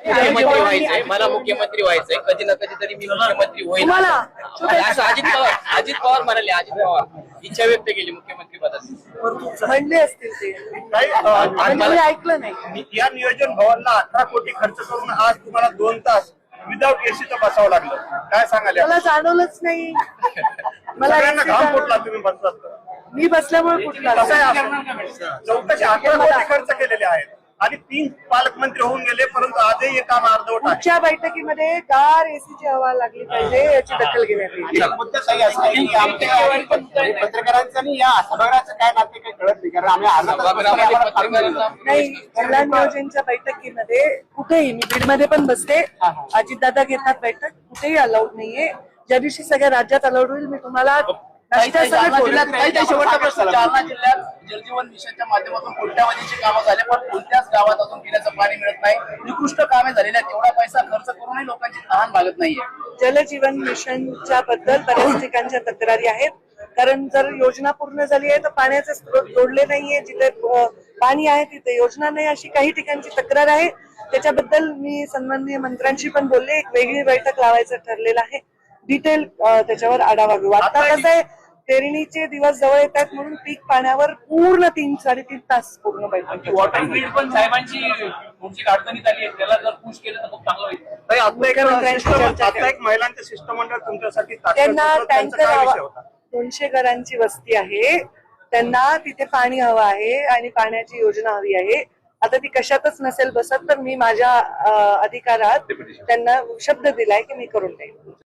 मुख्यमंत्री व्हायचंय, मला मुख्यमंत्री व्हायचंय, कधी ना कधी तरी मी मुख्यमंत्री होईल असं अजित पवार म्हणाले. अजित पवार इच्छा व्यक्त केली मुख्यमंत्री पदाची. म्हणले असतील ते, म्हणजे मी ऐकलं नाही. या नियोजन भवनला 18 कोटी खर्च करून आज तुम्हाला 2 तास विदाउट एसीचं बसावं लागलं. काय सांगाल? मला जाणवलंच नाही. मला सगळ्यांना घाम फुटला तुम्ही बसलात तर. मी बसल्यामुळे कुठला कसं आहे असं? चौकशी 18 कोटी खर्च केलेले आहेत आणि 3 पालकमंत्री होऊन गेले, परंतु आजही हे काम अर्धवट आहे. पुढच्या बैठकीमध्ये गार एसीची हवा लागली पाहिजे याची दखल घेण्यात येईल. मुद्दा सही असं की पत्रकारांचं आणि या सभागृहाचं काय नाते काही कळत नाही, कारण आम्ही नाही, जिल्हा नियोजनच्या बैठकीमध्ये कुठेही, मी बीडमध्ये पण बसते, अजितदादा घेतात बैठक, कुठेही अलाउड नाहीये. ज्या दिवशी सगळ्या राज्यात अलाउड होईल मी तुम्हाला जालना जिल्ह्यात जलजीवन मिशनच्या माध्यमातून कोट्यावधीची कामं झाले, पण कोणत्याच गावात अजून पिण्याचं पाणी मिळत नाही. निकृष्ट कामे झालेली आहेत, तेवढा पैसा खर्च करूनही लोकांची तहान भागत नाहीये. जलजीवन मिशनच्या बद्दल बऱ्याच ठिकाणच्या तक्रारी आहेत. कारण जर योजना पूर्ण झाली आहे तर पाण्याचे स्रोत जोडले नाहीये, जिथे पाणी आहे तिथे योजना नाही, अशी काही ठिकाणची तक्रार आहे. त्याच्याबद्दल मी सन्माननीय मंत्र्यांशी पण बोलले, एक वेगळी बैठक लावायचं ठरलेलं आहे. डिटेल त्याच्यावर आढावा घेऊ. आता कसं आहे, पेरणीचे दिवस जवळ येत आहेत म्हणून पीक पाण्यावर पूर्ण 3-3.5 तास पूर्ण बैठक. वॉटर ग्रीड पण साहेबांची तुमची अडचणीत आली आहे, त्याला जर पुश केलं तर खूप चांगलं होईल. आता एक महिलांचं शिष्टमंडळ तुमच्यासाठी त्यांना टँकर हवा, 200 घरांची वस्ती आहे, त्यांना तिथे पाणी हवं आहे आणि पाण्याची योजना हवी आहे. आता ती कशातच नसेल बसत तर मी माझ्या अधिकारात त्यांना शब्द दिलाय की मी करून देईन.